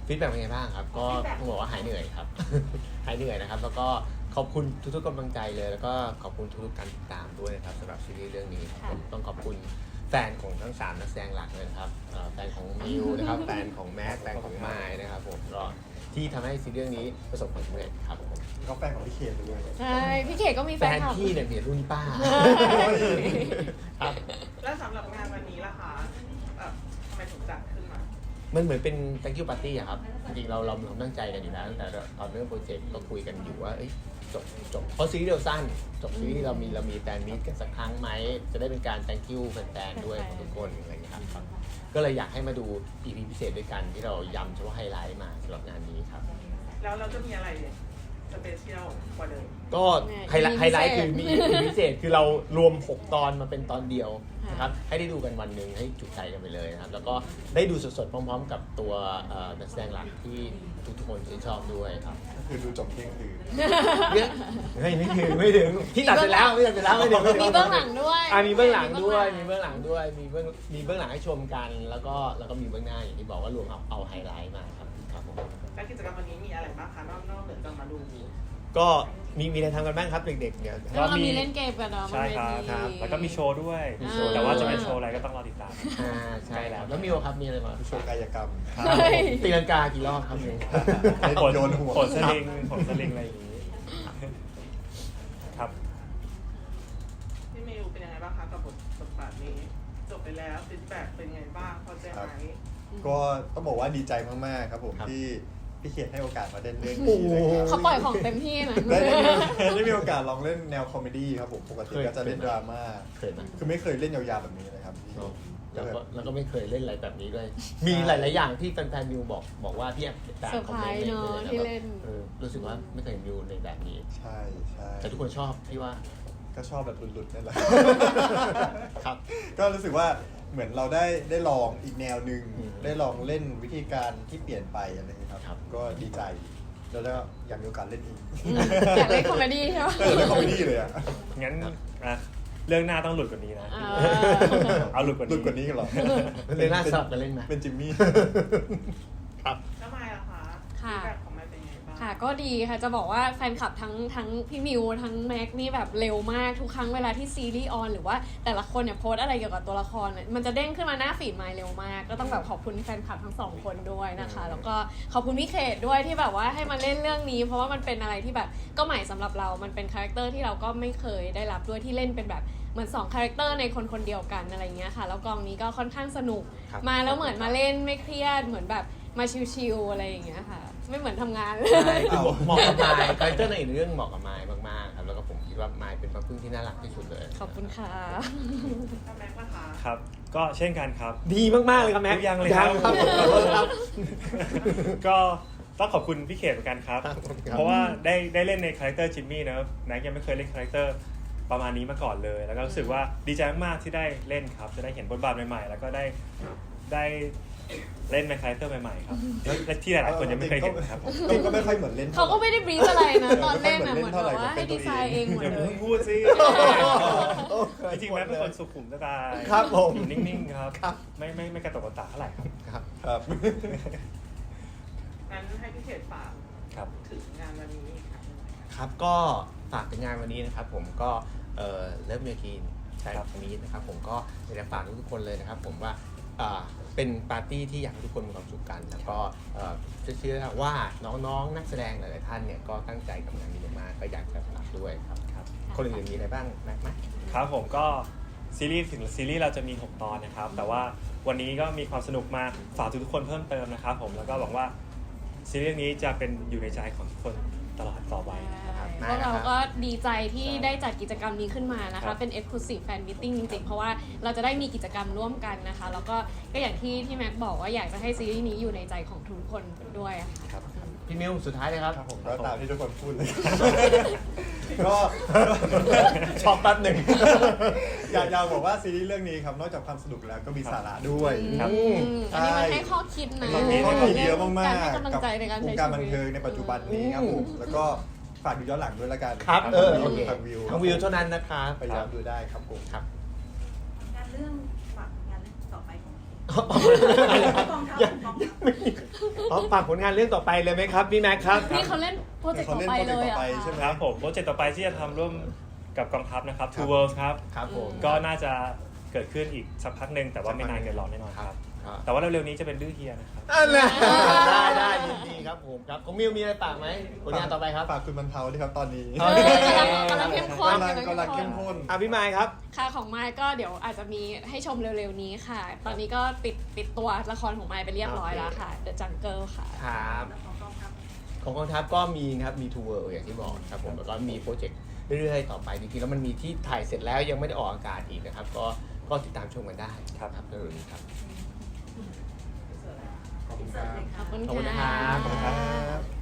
ฟีดแบ็กเป็นไงบ้างครับก็ต้องบอกว่าหายเหนื่อยครับ หายเหนื่อยนะครับแล้วก็ขอบคุณทุกๆกำลังใจเลยแล้วก็ขอบคุณทุกๆการติดตามด้วยนะครับสำหรับซีรีส์เรื่องนี้ครับต้องขอบคุณแฟนของทั้ง3นักแสดงหลักเลยครับแฟนของมิวนะครับแฟนของแมทแฟนของไมค์นะครับผมก็ที่ทำให้ซีรีส์เรื่องนี้ประสบความสำเร็จครับผมก็แฟนของพี่เคด้วยใช่พี่เขตก็มีแฟแฟนนคลับพี่เนี่ยเมียรุ่นป้าครับแล้วสำหรับงานวันนี้ล่ะคะทำไมถึงจัดขึ้นมามันเหมือนเป็น thank you party อะครับจริงๆเราตั้งใจกันอยู่แล้วตั้งแต่ตอนเริ่มโปรเจกต์ก็คุยกันอยู่ว่าจบเพราะซีรีส์เราสั้นจบซีรีส์เรามีแฟนมีตกันสักครั้งไหมจะได้เป็นการ thank you แฟนๆด้วยของทุกคนอะไรอย่างเงี้ยครับก็เลยอยากให้มาดู EP พิเศษด้วยกันที่เราย้ำเฉพาะไฮไลท์มาสำหรับงานนี้ครับแล้วเราจะมีอะไรสเปเชียลกว่าเดิมก็ไฮไลท์คือมี EP พิเศษคือเรารวม6 ตอนมาเป็นตอนเดียวนะครับให้ได้ดูกันวันหนึ่งให้จุใจกันไปเลยนะครับแล้วก็ได้ดูสดๆพร้อมๆ กับตัวนักแสดงหลักที่ทุกคนชื่นชอบด้วยครับคือดูจบเที่ยงคืนเนี่ยไม่ถึงที่ตัดเสร็จแล้วไม่ถึงมีเบื้องหลังด้วยมีเบื้องหลังด้วยมีเบื้องหลังให้ชมกันแล้วก็มีเบื้องหน้าอย่างที่บอกว่ารวมเอาไฮไลท์มาครับผมและกิจกรรมวันนี้มีอะไรบ้างคะนอกเหนือจากมาดูก็มีอะไรทำกันบ้างครับเด็กๆเนี่ยแล้วเรามีเล่นเกมกันเนาะใช่ครับครับแล้วก็มีโชว์ด้วยมีโชว์แต่ว่าจะเป็นโชว์อะไรก็ต้องรอติดตามใช่แล้วมิวครับมีอะไรมาโชว์กายกรรมตีลังกากี่รอบครับมิวผลโยนหัวผลสลิงอะไรอย่างนี้ครับพี่เมลเป็นยังไงบ้างคะกับบทบาทนี้จบไปแล้วฟีดแบ็กเป็นยังไงบ้างพอใจไหมก็ต้องบอกว่าดีใจมากๆครับผมที่พี่เขตให้โอกาสมาเล่นเรื่องโอ้นี้โหนะครับเขาปล่อยของเต็มที่นะได้มีโอกาสลองเล่นแนวคอมเมดี้ครับผมปกติก็จะเล่นดราม่าเคยไหมคือไม่เคยเล่นยาวๆแบบนี้เลยครับพี่แล้วก็ไม่เคยเล่นอะไรแบบนี้ด้วย มีหลายๆอย่างที่แฟนๆมิวบอกว่าพี่แอบตามคอมเมนต์เซอร์ไพรส์เนอะที่เล่นรู้สึกว่าไม่เคยเห็นมิวในแบบนี้ใช่ใช่แต่ทุกคนชอบพี่ว่าก็ชอบแบบหลุดๆนั่นแหละครับก็รู้สึกว่าเหมือนเราได้ลองอีกแนวหนึ่งอืมได้ลองเล่นวิธีการที่เปลี่ยนไปอะไรอย่างเงี้ยคครัรับบก็ดีใจแล้วก็อยากมีโอกาสเล่นอีกอยากเล่นคอมเมดี้ใช่ไหมเล่นคอมเมดี้เลยอ่ะงั้นเรื่องหน้าต้องหลุดกว่านี้นะ เอาหลุดกว่าหลุนี้ดกว่านี้กันเหรอเล่นหน้าสลับกันเล่นไหมเป็นจิมมี่ครับแล้วไมล่ะคะค่ะฟีดแบ็กของไมเป็นยังไงบ้างค่ะก็ดีค่ะจะบอกว่าแฟนคลับทั้งพี่มิวทั้งแม็กนี่แบบเร็วมากทุกครั้งเวลาที่ซีรีส์ออนหรือว่าแต่ละคนเนี่ยโพสต์อะไรเกี่ยวกับตัวละครเนี่ยมันจะเด้งขึ้นมาหน้าฟีดไมล์เร็วมากก็ต้องแบบขอบคุณแฟนคลับทั้งสองคนด้วยนะคะแล้วก็ขอบคุณพี่เขตด้วยที่แบบว่าให้มาเล่นเรื่องนี้ เพราะว่ามันเป็นอะไรที่แบบก็ใหม่สำหรับเรามันเป็นคาแรคเตอร์ที่เราก็ไม่เคยได้รับด้วยที่เล่นเป็นแบบเหมือน2คาแรคเตอร์ในคนเดียวกันอะไรเงี้ยค่ะแล้วกองนี้ก็ค่อนข้างสนุกครับมาแล้วเหมือนมาเล่นไม่เครียดเหมือนแบบมาชิลๆอะไรอย่างเงี้ยค่ะไม่เหมือนทำงานเลยใช่คือเหมาะกับไมค์คาแรคเตอร์ในเรื่องเหมาะกับไมค์มากๆครับแล้วก็ผมคิดว่าไมค์เป็นพระพึ่งที่น่ารักที่สุดเลยขอบคุณค่ะแล้วแม็กซ์ล่ะคะครับ ก็เช่นกันครับดีมากๆเลยครับแม็กทุกอย่างเลยครับครับขอโทษครับก็ต้องขอบคุณพี่เขตเหมือนกันครับครับเพราะว่าได้เล่นในคาแรคเตอร์จิมมี่นะแม็กยังไม่เคยเล่นคาแรคเตอร์ประมาณนี้มาก่อนเลย แล้วก็รู้สึกว่าดีใจมากๆที่ได้เล่นครับ จะได้เห็นบทบาทใหม่ๆ แล้วก็ได้เล่นในคาแรคเตอร์ใหม่ๆครับและที่หลายๆคนยังไม่เคยเห็นครับผมก็ไม่ค่อยเหมือนเล่นเขาก็ไม่ได้บรีฟอะไรนะตอนเล่นอะเหมือนแบบว่าให้ดีไซน์เองหมดอย่าเลเพิ่ยงพูดสิ จริงๆแม็กเป็นคนสุขุมสไตล์ครับผมอยู่นิ่งๆครับครับไม่กระตกกระตากเท่าไหร่ครับครับครับงั้นให้พี่เขตฝากครับถึงงานวันนี้ค่ะครับก็ฝากถึงงานวันนี้นะครับผมก็เลิฟเมียกีนใช่ครับวันนี้นะครับผมก็อยากจะฝากทุกคนเลยนะครับผมว่าเป็นปาร์ตี้ที่อยากให้ทุกคนมีความสุขกัน แล้วก็เชื่อว่าน้องๆนักแสดงหลายๆท่านเนี่ยก็ตั้งใจกับงานนี้มากๆก็อยากจะฝากด้วยครับครับคนอื่นๆมีอะไรบ้างแม็กไหมครับผมก็ซีรีส์เราจะมี6ตอนนะครับแต่ว่าวันนี้ก็มีความสนุกมาฝากทุกๆคนเพิ่มเติมนะครับผมแล้วก็หวังว่าซีรีส์นี้จะเป็นอยู่ในใจของทุกคนตลอดต่อไปนะครับพวกเราก็ดีใจที่ได้จัดกิจกรรมนี้ขึ้นมานะครัคะบเป็น Exclusive Fan Meeting จริงๆ เพราะว่าเราจะได้มีกิจกรรมร่วมกันนะคะ แล้วก็อย่างที่แม็กบอกว่าอยากจะให้ซีรีส์นี้อยู่ในใจของทุกคนด้วยอะค่ะครับพี่มิวสุดท้ายเลยครับครับผมก็ตามที่ทุกคนพูดเลย ก็ช็อกแป๊บหนึ่งอยากบอกว่าซีรีส์เรื่องนี้ครับนอกจากความสนุกแล้วก็มีสาระด้วยครับอันนี้มันให้ข้อคิดนะข้อคิดเยอะมากการให้ๆกำลังใจในการวใช้งชีการบันวิตเทิงในปัจจุบันนี้ครับผมแล้วก็ฝากดูย้อนหลังด้วยละกันครับโอเคทางวิวทางวิวเท่านั้นนะครับไปย้อนดูได้ครับผมครับงานเรื่องฝากงานเรื่องต่อไปของอะไรครับกองทัพยังกองทัพไม่มีฝากผลงานเรื่องต่อไปเลยไหมครับพี่แม็กครับนี่เขาเล่นโปรเจกต์ต่อไปเลยอ่ะใช่ไหมครับผมโปรเจกต์ต่อไปที่จะทำร่วมกับกองทัพนะครับ Two Worlds ครับครับผมก็น่าจะเกิดขึ้นอีกสักพักหนึ่งแต่ว่าไม่นานเกินรอแน่นอนครับ แต่ว่าเร็วๆนี้จะเป็นดื้อเฮียนะครับอันน่ะได้ยินดีครับผมครับของมิวมีอะไรฝากไหมผลงานต่อไปครับฝากคุณบรรเทาด้วยครับตอนนี้เออกำลังเข้มข้นกำลังเข้มข้นพี่ไมค์ครับค่ะของไมค์ก็เดี๋ยวอาจจะมีให้ชมเร็วๆนี้ค่ะ ตอนนี้ก็ปิดตัวละครของไมค์ไปเรียบร้อยแล้วค่ะ The Jungle ค่ะครับ ของกองทัพก็มีครับมีทัวร์อย่างที่บอกครับผมแล้วก็มีโปรเจกต์เรื่อยๆต่อไปจริงๆแล้วมันมีที่ถ่ายเสร็จแล้วยังไม่ได้ออกอากาศอีกนะครับก็ติดตามชมกันได้ครับเร็วๆนี้ครับขอบคุณขอบคุณนะคค่ะรับขอบคุณครับ